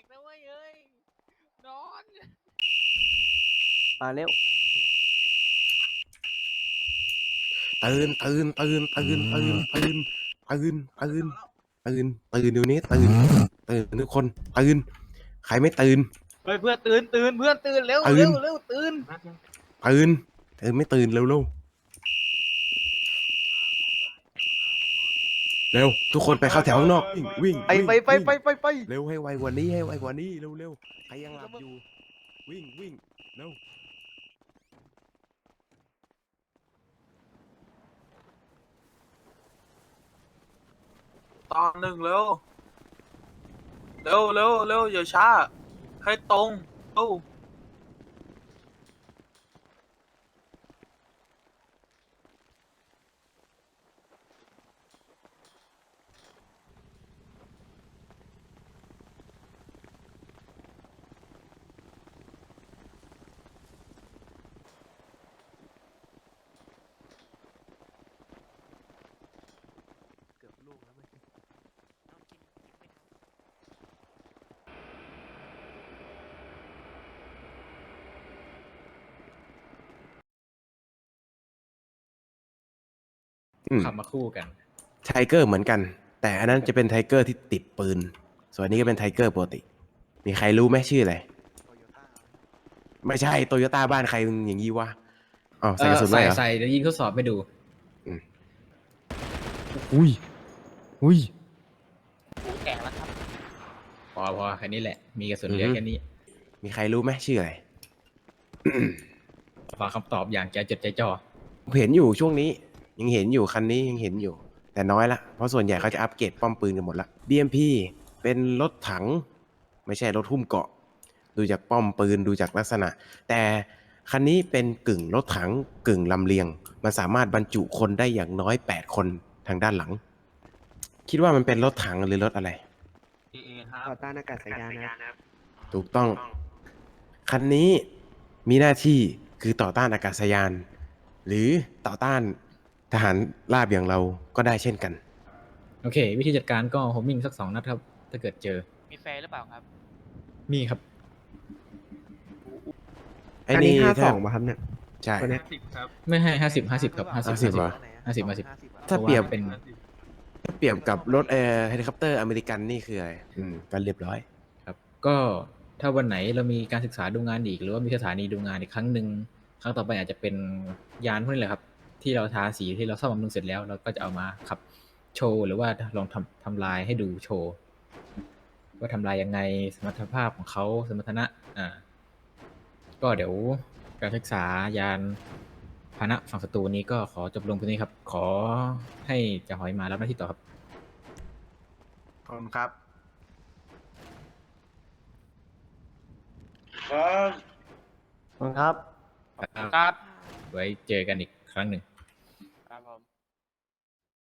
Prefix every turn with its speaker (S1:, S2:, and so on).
S1: กนะเว้ยเอ้ยนอน
S2: มาเร็ว
S3: ตื่นเดี๋ยวนี้ตื่นทุกคนตื่นใครไม่ตื่น
S1: เฮ้ยเพื่อนตื่นเพื่อนตื่นเร็ว
S3: ตื่น
S1: เร็วตื่น
S3: ตื่นไม่ตื่นเร็วเร็วทุกคนไปเข้าแถวข้างนอกวิ่ง
S2: ไป
S3: เร็วให้ไวกว่านี้เร็วใครยังหลับอยู่วิ่งเร็ว
S4: ตอนหนึ่งเร็วอย่าช้าให้ตรงเร็ว
S5: ขับมาคู่กัน
S3: ไทเกอร์เหมือนกัน แต่อันนั้นจะเป็นไทเกอร์ที่ติดปืนส่วนนี้ก็เป็นไทเกอร์ปกติมีใครรู้ไหมชื่ออะไรไม่ใช่โตโยต้าบ้านใครอย่างงี้วะอ๋อใส่กระสุนไว้เหรอ
S5: ใส่เดี๋ยวยิงทดสอบไปดู
S2: อุ้ย
S1: แตกแล้วครับ
S5: พอแค่นี้แหละ มีกระสุนเหลือแค่นี้
S3: มีใครรู้ไหมชื่ออะไร
S5: ฟังคำตอบอย่างใจจดใจจ่อ
S3: ผมเห็นอยู่ช่วงนี้ยังเห็นอยู่คันนี้ยังเห็นอยู่ แต่น้อยละเพราะส่วนใหญ่เขาจะอัปเกรดป้อมปืนกันหมดละ BMP เป็นรถถังไม่ใช่รถหุ้มเกราะดูจากป้อมปืนดูจากลักษณะ แต่คันนี้เป็นกึ่งรถถังกึ่งลำเลียงมันสามารถบรรจุคนได้อย่างน้อย8คนทางด้านหลัง คิดว่ามันเป็นรถถังหรือรถอะไร
S2: ต่อต้านอากาศยานนะครับ
S3: ถูกต้อง คันนี้มีหน้าที่คือต่อต้านอากาศยาน หรือต่อต้านทหารราบอย่างเราก็ได้เช่นกัน
S5: โอเค วิธีจัดการก็โฮมมิ่งสัก2 นัดครับ ถ้าเกิดเจอ
S1: มีแฟนหรือเปล่าครับ
S5: มีครับ
S3: ไอ้
S2: อัน
S3: นี่
S2: นี้
S3: ถ้า
S2: 52ป่ะครับเนี่ย
S3: ใช่
S2: ตัวเนี้ย
S5: ไม่ให้50ครับ
S3: 50เหรอ
S5: 50
S3: ถ้าเปรียบ
S5: เป็น
S3: ถ้าเปรียบกับรถเฮลิคอปเตอร์อเมริกันนี่คืออะไรก็เรียบร้อย
S5: ครับ ก็ถ้าวันไหนเรามีการศึกษาดูงานอีก หรือว่ามีสถานีดูงานอีกครั้งหนึ่งครั้งต่อไปอาจจะเป็นยานพวกนี้แหละครับ ที่เราทาสีที่เราซ่อมบำรุงเสร็จแล้ว เราก็จะเอามาขับโชว์หรือว่าลองทำลายให้ดูโชว์ว่าทำลายยังไงสมรรถภาพของเขาสมรรถนะก็เดี๋ยวการศึกษายานพาหนะฝั่งศัตรูนี้ก็ขอจบลงตรงนี้ครับ ขอให้จ่าหอยมารับหน้าที่ต่อครับ
S4: ขอบคุณครับ
S2: ขอบคุณครับ
S1: ครับ
S5: ไว้เจอกันอีกครั้งหนึ่ง